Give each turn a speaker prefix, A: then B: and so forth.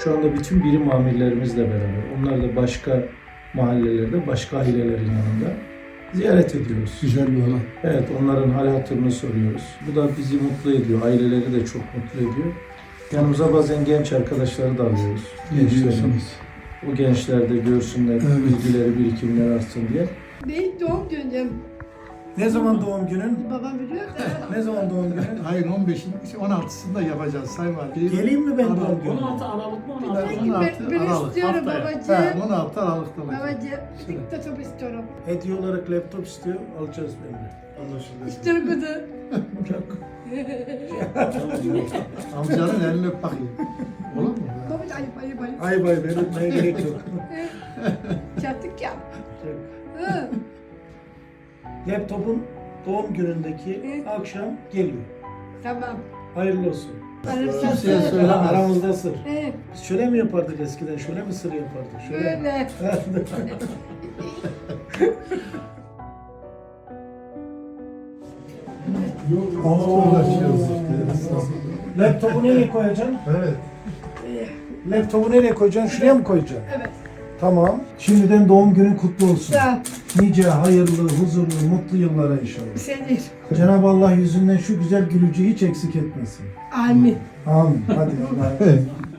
A: Şu anda bütün birim amirlerimizle beraber, onlar da başka mahallelerde, başka ailelerin yanında ziyaret ediyoruz.
B: Güzel bir olay.
A: Evet, onların hal hatırını soruyoruz. Bu da bizi mutlu ediyor, aileleri de çok mutlu ediyor. Yanımıza bazen genç arkadaşları da alıyoruz.
B: Ne diyorsunuz?
A: O gençler de görsünler,
B: Evet.
A: bilgileri, birikimleri artsın diye.
C: Benim doğum günüm.
A: Ne zaman doğum günün?
C: Babam biliyor da.
A: Ne zaman doğum günün?
B: Hayır 15'in 16'sında yapacağız Sayın Valim.
A: Geleyim mi ben
B: Aralık.
A: doğum gününe?
D: 16 Aralık mı? 16
B: 16
C: Ben
B: Aralık.
C: istiyorum
D: haftaya.
C: babacığım.
B: 16 Aralık'ta olacak.
C: Babacığım, diktatör istiyorum.
A: Hediye olarak laptop istiyor, alacağız benimle. Anlaşıldı.
C: İstiyorum kızı.
A: Çok.
B: Amcanın elini öp bakayım. Olur mu?
C: Babacığım ayıp.
A: Ay bay, ben öpmeye gerek yok.
C: Çattık ya. Hı.
A: Laptopun doğum günündeki akşam geliyor.
C: Tamam.
A: Hayırlı olsun.
B: Kimseye söylemez.
A: Aramızda sır.
C: Evet.
A: Biz şöyle mi yapardık eskiden? Şöyle mi sır yapardık? Şöyle.
C: Böyle.
B: Uğraşıyoruz.
A: Laptopu nereye koyacaksın?
B: Evet.
A: Laptopu nereye koyacaksın? Şuraya mı koyacaksın?
C: Evet.
A: Tamam. Şimdiden doğum günün kutlu olsun.
C: Sağ ol.
A: Nice hayırlı, huzurlu, mutlu yıllara inşallah.
C: Senin.
A: Cenab-ı Allah yüzünden şu güzel gülücüğü hiç eksik etmesin.
C: Amin.
A: Amin. Hadi. Allah'a emanet.